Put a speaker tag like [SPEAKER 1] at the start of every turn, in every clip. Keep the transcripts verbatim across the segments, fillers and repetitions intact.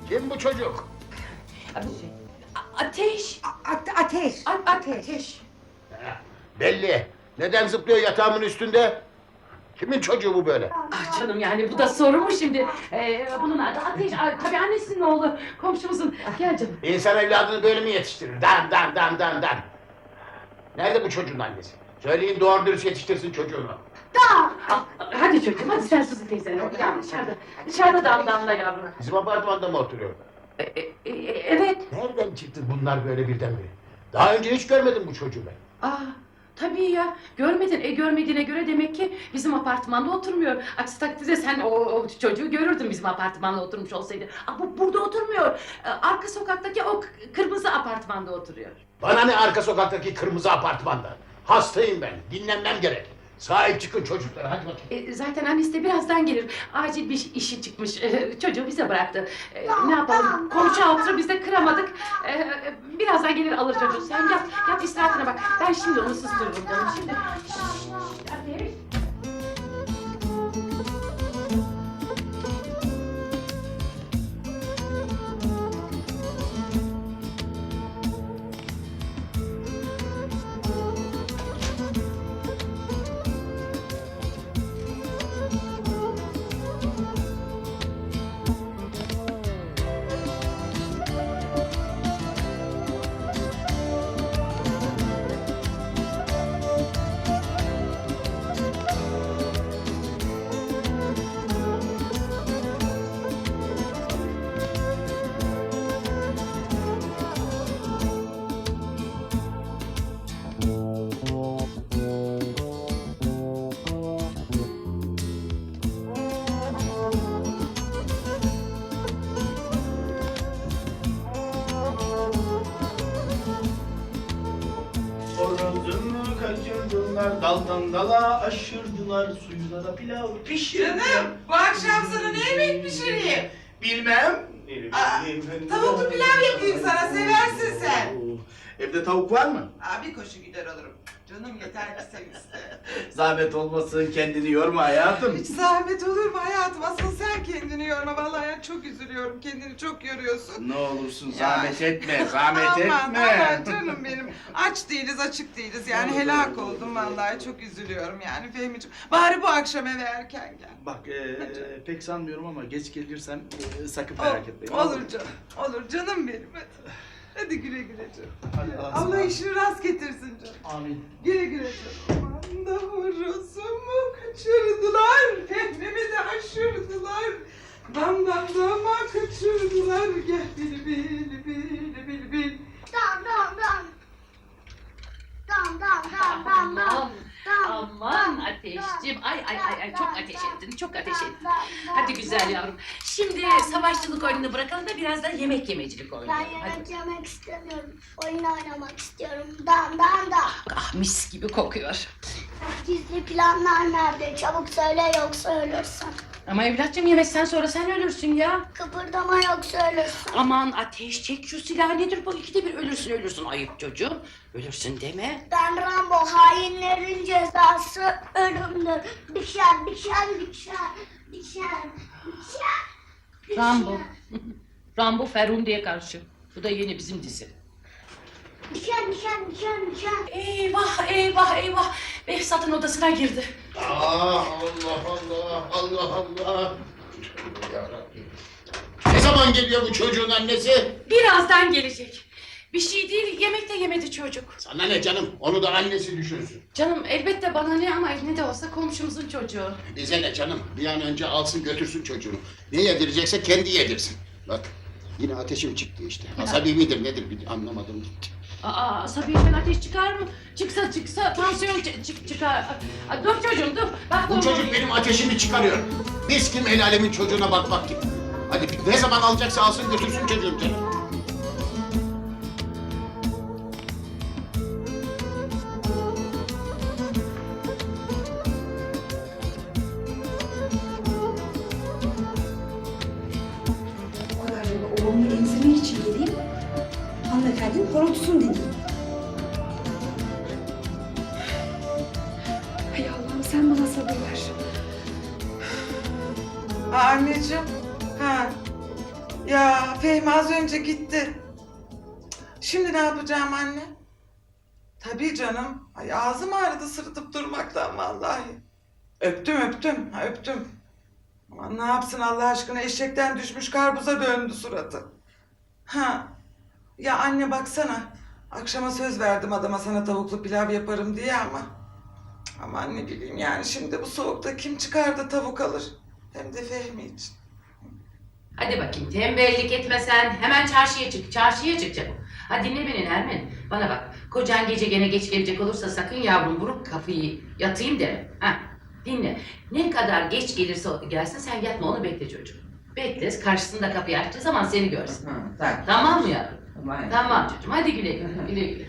[SPEAKER 1] Kim bu çocuk?
[SPEAKER 2] A- Ateş.
[SPEAKER 3] A- ate- ateş.
[SPEAKER 2] A- a- ateş.
[SPEAKER 1] Ha, belli. Neden zıplıyor yatağımın üstünde? Kimin çocuğu bu böyle?
[SPEAKER 2] Ah canım yani bu da soru mu şimdi? Ee, bunun adı Ateş. Aa, tabii annesinin oğlu. Komşumuzun. Gel canım.
[SPEAKER 1] İnsan evladını böyle mi yetiştirir? Dan dan dan dan dan. Nerede bu çocuğun annesi? Söyleyin doğru dürüst yetiştirsin çocuğunu.
[SPEAKER 2] Al, hadi çocuğum hadi sen Suzi teyzene. Ya dışarıda. Dışarıda damdanla yavrum.
[SPEAKER 1] Bizim apartmanda mı oturuyor?
[SPEAKER 2] E, e, e, evet.
[SPEAKER 1] Nereden çıktı bunlar böyle birdenbire? Daha önce hiç görmedim bu çocuğu ben.
[SPEAKER 2] Aa, tabii ya. Görmedin. E görmediğine göre demek ki bizim apartmanda oturmuyor. Aksi takdirde sen o, o çocuğu görürdün bizim apartmanda oturmuş olsaydı. Aa, bu burada oturmuyor. Ee, arka sokaktaki o k- kırmızı apartmanda oturuyor.
[SPEAKER 1] Bana ne arka sokaktaki kırmızı apartmanda? Hastayım ben, dinlenmem gerek. Sahip çıkın çocuklara, hadi bakayım.
[SPEAKER 2] E, zaten annesi de birazdan gelir. Acil bir işi çıkmış. E, çocuğu bize bıraktı. E, ne yapalım? Komşu altını biz de kıramadık. E, e, birazdan gelir alır çocuğu. Sen yat, yat istirahatine bak. Ben şimdi onu sustururum canım. Şimdi... Şşş, Ateş.
[SPEAKER 4] Horozumu kaçırdılar, daldan dala aşırdılar, suyuna da pilav pişirdiler.
[SPEAKER 5] Canım, bu akşam sana ne yemek pişireyim?
[SPEAKER 4] Bilmem.
[SPEAKER 5] Aa, tavuklu pilav yapayım sana, seversin sen.
[SPEAKER 4] Evde tavuk var mı?
[SPEAKER 5] Aa, bir koşu gider alırım. Canım yeter ki sen iste.
[SPEAKER 4] Zahmet olmasın, kendini yorma hayatım.
[SPEAKER 5] Hiç zahmet olur mu hayatım? Asıl sen kendini yorma. Vallahi ben çok üzülüyorum. Kendini çok yoruyorsun.
[SPEAKER 4] Ne olursun
[SPEAKER 5] Ya.
[SPEAKER 4] zahmet etme, zahmet
[SPEAKER 5] aman,
[SPEAKER 4] etme.
[SPEAKER 5] Aman canım benim. Aç değiliz, açık değiliz. Yani helak oldum vallahi. Çok üzülüyorum yani Fehmi'ciğim. Bari bu akşam eve erken gel.
[SPEAKER 4] Bak e, pek sanmıyorum ama geç gelirsem e, sakın
[SPEAKER 5] Ol-
[SPEAKER 4] merak etmeyin.
[SPEAKER 5] olur canım. Olur canım benim. Hadi. Hadi güle güle canım.
[SPEAKER 4] Hadi Allah'a
[SPEAKER 5] Allah
[SPEAKER 4] ısmarladık.
[SPEAKER 5] işini rast getirsin canım.
[SPEAKER 4] Amin.
[SPEAKER 5] Güle güle canım. Aman da horozumu kaçırdılar. Fehmimi de aşırdılar. Damdan dama kaçırdılar. Gel bil bil bil bil bil.
[SPEAKER 6] Dam dam dam. Dam dam dam dam dam.
[SPEAKER 2] Aman, aman Ateşciğim. Ay ay ay ay çok ateş ettin, çok ateş ettin. Hadi güzel yavrum. Şimdi savaşçılık oyununu bırakalım da biraz da yemek yemecilik
[SPEAKER 6] Ben
[SPEAKER 2] oynayalım.
[SPEAKER 6] yemek
[SPEAKER 2] Hadi.
[SPEAKER 6] yemek istemiyorum. Oyun oynamak istiyorum. Dam dam dam.
[SPEAKER 2] Ah mis gibi kokuyor.
[SPEAKER 6] Gizli planlar nerede? Çabuk söyle yoksa ölürsün.
[SPEAKER 2] Ama evlatçım yemekten sonra sen ölürsün ya.
[SPEAKER 6] Kıpırdama yoksa ölürsün.
[SPEAKER 2] Aman Ateş çek şu silahı nedir bu ikide bir ölürsün ölürsün ayıp çocuğum. Ölürsün deme.
[SPEAKER 6] Ben Rambo, hainlerin cezası ölümdür. Bişer, bişer, bişer, bişer, bişer. bişer.
[SPEAKER 2] Rambo. Rambo Ferhundi'ye karşı. Bu da yeni bizim dizi.
[SPEAKER 6] Bişer, bişer, bişer, bişer.
[SPEAKER 2] Eyvah eyvah eyvah. Behzat'ın odasına girdi.
[SPEAKER 1] Aa, Allah Allah, Allah Allah. Yarabbim. Ne zaman geliyor bu çocuğun annesi?
[SPEAKER 2] Birazdan gelecek. Bir şey değil yemek de yemedi çocuk.
[SPEAKER 1] Sana ne canım, onu da annesi düşünsün.
[SPEAKER 2] Canım elbette bana ne ama ne de olsa komşumuzun çocuğu.
[SPEAKER 1] Bize ne canım, bir an önce alsın götürsün çocuğunu. Ne yedirecekse kendi yedirsin. Bak, yine ateşim çıktı işte. Asabi midir nedir bir anlamadım gitti.
[SPEAKER 2] Aa Sabiye'den ateş çıkar mı? Çıksa çıksa tansiyon çı- çık çıkar. Aa, dur çocuğum dur. Bak
[SPEAKER 1] Bu
[SPEAKER 2] dur,
[SPEAKER 1] çocuk
[SPEAKER 2] dur.
[SPEAKER 1] benim ateşimi çıkarıyor. Biz kim el alemin çocuğuna bakmak gibi. Hadi ne zaman alacaksa alsın götürsün çocuğum canım.
[SPEAKER 3] O kadar yolu oğlumu emzirmek için geleyim. Hanımefendinin horultusun deneyim. Hay Allah'ım sen bana sabır ver.
[SPEAKER 5] Aa, anneciğim. Ha. Ya Ya Fehmi az önce gitti. Şimdi ne yapacağım anne? Tabii canım. Ay ağzım ağrıdı sırıtıp durmaktan vallahi. Öptüm öptüm. Ha, öptüm. Aman ne yapsın Allah aşkına, eşekten düşmüş karpuza döndü suratı. Ha. Ya anne baksana. Akşama söz verdim adama sana tavuklu pilav yaparım diye ama. Aman ne bileyim yani şimdi bu soğukta kim çıkar da tavuk alır? Hem de Fehmi için.
[SPEAKER 2] Hadi bakayım tembellik etmesen hemen çarşıya çık. Çarşıya çık canım. Ha dinle beni Nermin. Bana bak kocan gece gene geç gelecek olursa sakın yavrum vurup kafayı yatayım deme. Ha dinle. Ne kadar geç gelirse gelsin sen yatma onu bekle çocuğum. Bekle karşısında kapıyı açtığı zaman seni görsün.
[SPEAKER 5] Tamam.
[SPEAKER 2] Tamam mı yavrum? Tamam çocuğum hadi güle güle. Güle güle.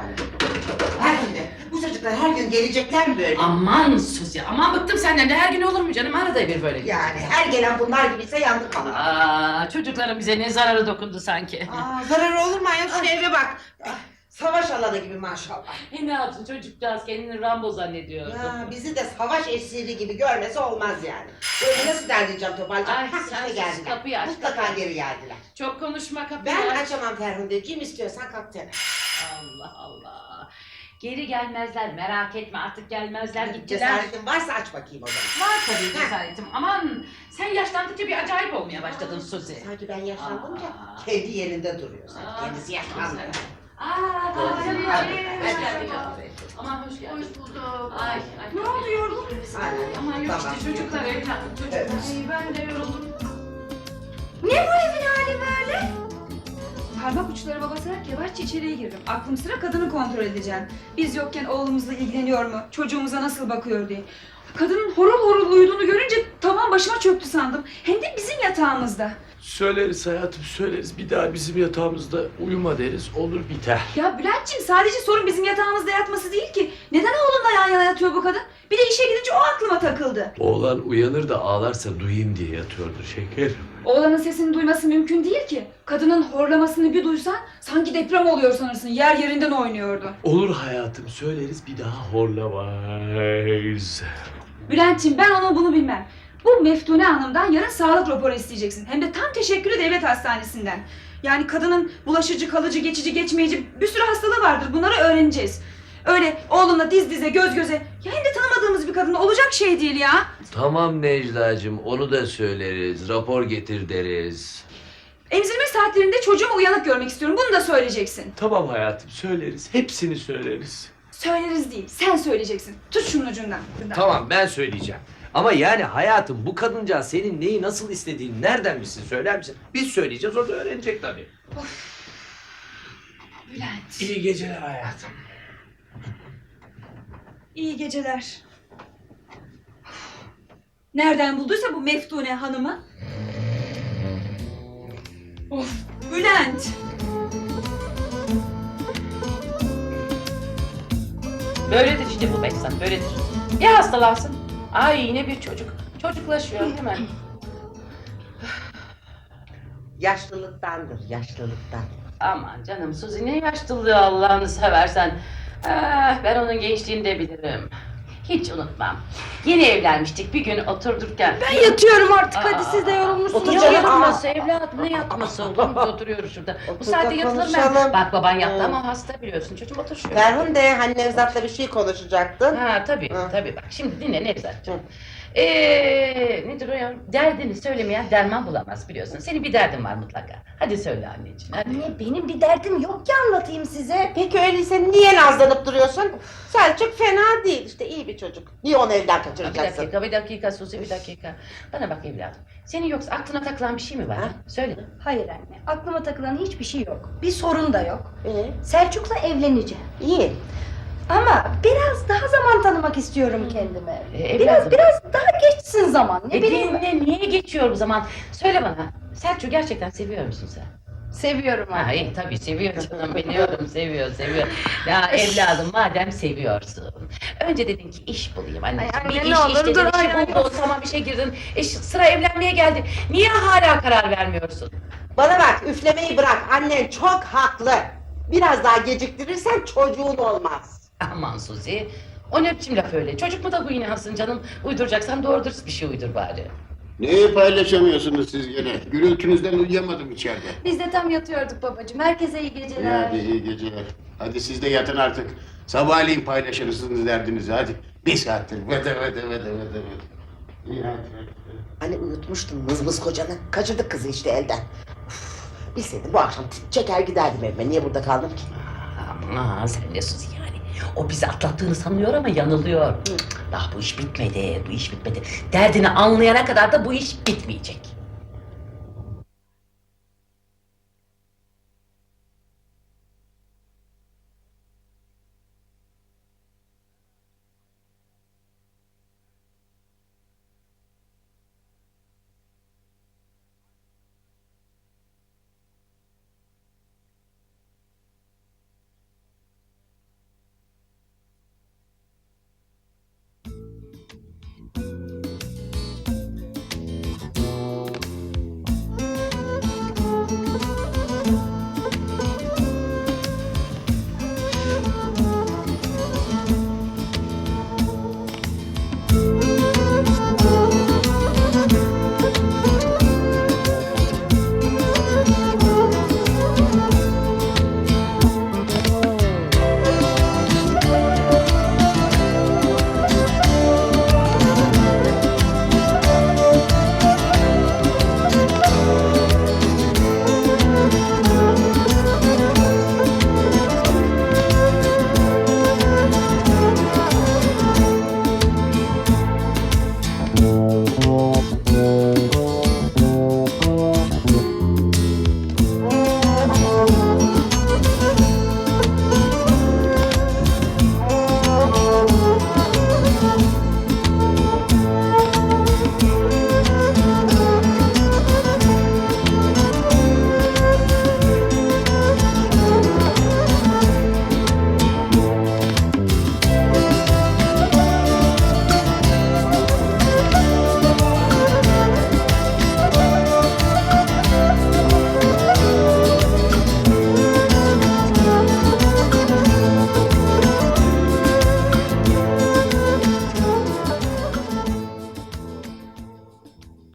[SPEAKER 7] Her gün de. Bu çocuklar her gün gelecekler mi böyle?
[SPEAKER 2] Aman sus ya. Aman bıktım senden de her gün olur mu canım? Arada bir böyle.
[SPEAKER 7] Yani her gelen bunlar gibiyse yandık kalır.
[SPEAKER 2] Aa, çocukların bize ne zararı dokundu sanki.
[SPEAKER 7] Aa, zararı olur mu ayol? Şu eve bak. Savaş alanı gibi maşallah.
[SPEAKER 2] E ne yapsın çocukcağız kendini Rambo zannediyordu.
[SPEAKER 7] Ya bizi de savaş esiri gibi görmesi olmaz yani. Böyle nasıl derleyeceğim toparlayacağım?
[SPEAKER 2] Ay,
[SPEAKER 7] Hah,
[SPEAKER 2] sen
[SPEAKER 7] işte
[SPEAKER 2] sus,
[SPEAKER 7] geldiler.
[SPEAKER 2] kapıyı aç,
[SPEAKER 7] Mutlaka
[SPEAKER 2] kapıyı.
[SPEAKER 7] geri geldiler.
[SPEAKER 2] Çok konuşma kapıyı
[SPEAKER 7] Ben
[SPEAKER 2] aç.
[SPEAKER 7] açamam Ferhundeciğim, istiyorsan kalk dene.
[SPEAKER 2] Allah Allah. Geri gelmezler merak etme artık gelmezler gittiler.
[SPEAKER 7] Cesaretin varsa aç bakayım o zaman.
[SPEAKER 2] Var tabii cesaretim. Aman sen yaşlandıkça bir acayip olmaya başladın Suzi.
[SPEAKER 7] Sanki ben yaşlandım
[SPEAKER 2] Aa.
[SPEAKER 7] ya, kendi yerinde duruyor. Sanki
[SPEAKER 2] Aa,
[SPEAKER 7] kendisi yaşlandı.
[SPEAKER 2] Aa,
[SPEAKER 7] Doğru.
[SPEAKER 2] canım,
[SPEAKER 7] Hadi,
[SPEAKER 2] hoş
[SPEAKER 7] hadi.
[SPEAKER 2] geldin yavrum. Aman hoş geldin. Hoş bulduk. Ay, ay.
[SPEAKER 3] Ne oldu, yorgun musun?
[SPEAKER 2] Aman yok
[SPEAKER 7] Tamam.
[SPEAKER 2] işte çocuklar evladım çocuklar.
[SPEAKER 7] Evet.
[SPEAKER 2] Ay, ben de yoruldum.
[SPEAKER 3] Ne bu evin hali böyle? Parmak uçları basarak yavaşça içeriye girdim. Aklım sıra kadını kontrol edeceğim. Biz yokken oğlumuzla ilgileniyor mu? Çocuğumuza nasıl bakıyor diye. Kadının horul horul uyuduğunu görünce tavan başıma çöktü sandım. Hem de bizim yatağımızda.
[SPEAKER 8] Söyleriz hayatım söyleriz. Bir daha bizim yatağımızda uyuma deriz. Olur biter.
[SPEAKER 3] Ya Bülent'ciğim sadece sorun bizim yatağımızda yatması değil ki. Neden oğlumla yan yana yatıyor bu kadın? Bir de işe gidince o aklıma takıldı.
[SPEAKER 8] Oğlan uyanır da ağlarsa duyayım diye yatıyordur şeker.
[SPEAKER 3] Oğlanın sesini duyması mümkün değil ki. Kadının horlamasını bir duysan sanki deprem oluyor sanırsın. Yer yerinden oynuyordu.
[SPEAKER 8] Olur hayatım söyleriz bir daha horlamayız.
[SPEAKER 3] Bülent'ciğim ben onu bunu bilmem. Bu Meftune Hanım'dan yarın sağlık raporu isteyeceksin. Hem de tam teşekküllü devlet hastanesinden. Yani kadının bulaşıcı, kalıcı, geçici, geçmeyici bir sürü hastalığı vardır. Bunları öğreneceğiz. Öyle oğlunla diz dize, göz göze. Ya hem de tanımadığımız bir kadın olacak şey değil ya.
[SPEAKER 8] Tamam Necla'cığım onu da söyleriz. Rapor getir deriz.
[SPEAKER 3] Emzirme saatlerinde çocuğumu uyanık görmek istiyorum. Bunu da söyleyeceksin.
[SPEAKER 8] Tamam hayatım söyleriz. Hepsini söyleriz.
[SPEAKER 3] Söyleriz değil, sen söyleyeceksin. Tut şunun ucundan.
[SPEAKER 8] Tamam ben söyleyeceğim. Ama yani hayatım bu kadıncağız senin neyi nasıl istediğini nereden bilsin söyler misin? Biz söyleyeceğiz o da öğrenecek tabii.
[SPEAKER 3] Bülent.
[SPEAKER 8] İyi geceler hayatım.
[SPEAKER 3] İyi geceler. Nereden bulduysa bu Meftune Hanım'ı? Of, Bülent.
[SPEAKER 2] Böyledir işte bu Behzat böyledir. Ya hastalansın. Ay yine bir çocuk. Çocuklaşıyor hemen.
[SPEAKER 7] Yaşlılıktandır, yaşlılıktan.
[SPEAKER 2] Aman canım Suzi ne yaşlılığı Allah'ını seversen. Ah, ben onun gençliğini de bilirim. Hiç unutmam. Yeni evlenmiştik bir gün oturdurken.
[SPEAKER 3] Ben yatıyorum artık,
[SPEAKER 2] Aa,
[SPEAKER 3] hadi siz de yorulmuşsunuz.
[SPEAKER 7] otur
[SPEAKER 2] Ne
[SPEAKER 7] canım.
[SPEAKER 2] yatması evladım ne yatması oğlum biz oturuyoruz şurada. Bu
[SPEAKER 7] Otur
[SPEAKER 2] saatte
[SPEAKER 7] da
[SPEAKER 2] yatılır mı?
[SPEAKER 7] konuşalım.
[SPEAKER 2] Bak baban yattı
[SPEAKER 7] Hı.
[SPEAKER 2] ama hasta biliyorsun çocuğum otur şöyle.
[SPEAKER 7] Ferhunde hani Nevzat'la bir şey konuşacaktın.
[SPEAKER 2] Ha tabii
[SPEAKER 7] Hı.
[SPEAKER 2] tabii bak şimdi dinle Nevzat'cığım.
[SPEAKER 7] Hı.
[SPEAKER 2] Eee nedir o ya? Derdini söylemeyen derman bulamaz biliyorsun. Senin bir derdin var mutlaka. Hadi söyle anneciğim hadi.
[SPEAKER 9] Anne benim bir derdim yok ki anlatayım size.
[SPEAKER 7] Peki öyleyse niye nazlanıp duruyorsun? Selçuk fena değil işte, iyi bir çocuk. Niye onu evden
[SPEAKER 2] Ha, bir
[SPEAKER 7] kaçıracaksın?
[SPEAKER 2] dakika bir dakika Suzi bir dakika. Bana bak evladım. Senin yoksa aklına takılan bir şey mi var?
[SPEAKER 7] Ha?
[SPEAKER 2] Ha? Söyle.
[SPEAKER 9] Hayır anne, aklıma takılan hiçbir şey yok. Bir sorun da yok.
[SPEAKER 7] İyi.
[SPEAKER 9] Selçuk'la evleneceğim.
[SPEAKER 7] İyi.
[SPEAKER 9] Ama biraz daha zaman tanımak istiyorum kendime.
[SPEAKER 2] Ee,
[SPEAKER 9] Biraz
[SPEAKER 2] evladım.
[SPEAKER 9] biraz daha geçsin zaman. Ne
[SPEAKER 2] E,
[SPEAKER 9] bileyim ben.
[SPEAKER 2] dinle, niye geçiyor bu zaman? Söyle bana. Selçuk'u gerçekten seviyor musun sen?
[SPEAKER 9] Seviyorum
[SPEAKER 2] Ha, iyi tabii seviyor canım biliyorum seviyor seviyor. Ya evladım madem seviyorsun. Önce dedin ki iş bulayım anneciğim.
[SPEAKER 9] Ay anne,
[SPEAKER 2] bir
[SPEAKER 9] ne
[SPEAKER 2] iş
[SPEAKER 9] olur
[SPEAKER 2] iş dedin
[SPEAKER 9] dur,
[SPEAKER 2] işi
[SPEAKER 9] ay, ay.
[SPEAKER 2] buldun tamam işe girdin. E, ş- sıra evlenmeye geldi. Niye hala karar vermiyorsun?
[SPEAKER 7] Bana bak, üflemeyi bırak. Annen çok haklı. Biraz daha geciktirirsen çocuğun olmaz.
[SPEAKER 2] Aman Suzi. O ne biçim laf öyle? Çocuk mu da bu yine hasın canım? Uyduracaksan doğru dürüst bir şey uydur bari.
[SPEAKER 1] Neyi paylaşamıyorsunuz siz gene? Gürültünüzden uyuyamadım içeride.
[SPEAKER 9] Biz de tam yatıyorduk babacığım. Herkese iyi geceler.
[SPEAKER 1] Hadi iyi geceler. Hadi siz de yatın artık. Sabahleyin paylaşırsınız derdinizi hadi. Bir saattir vede vede vede vede vede. İyi hadi.
[SPEAKER 7] Hani unutmuştun mızmız kocanı. Kaçırdık kızı işte elden. Uf, bilseydim bu akşam çeker giderdim evime. Niye burada kaldım ki?
[SPEAKER 10] Aman sen ne sus yani. O bizi atlattığını sanıyor ama yanılıyor. Daha bu iş bitmedi, bu iş bitmedi. Derdini anlayana kadar da bu iş bitmeyecek.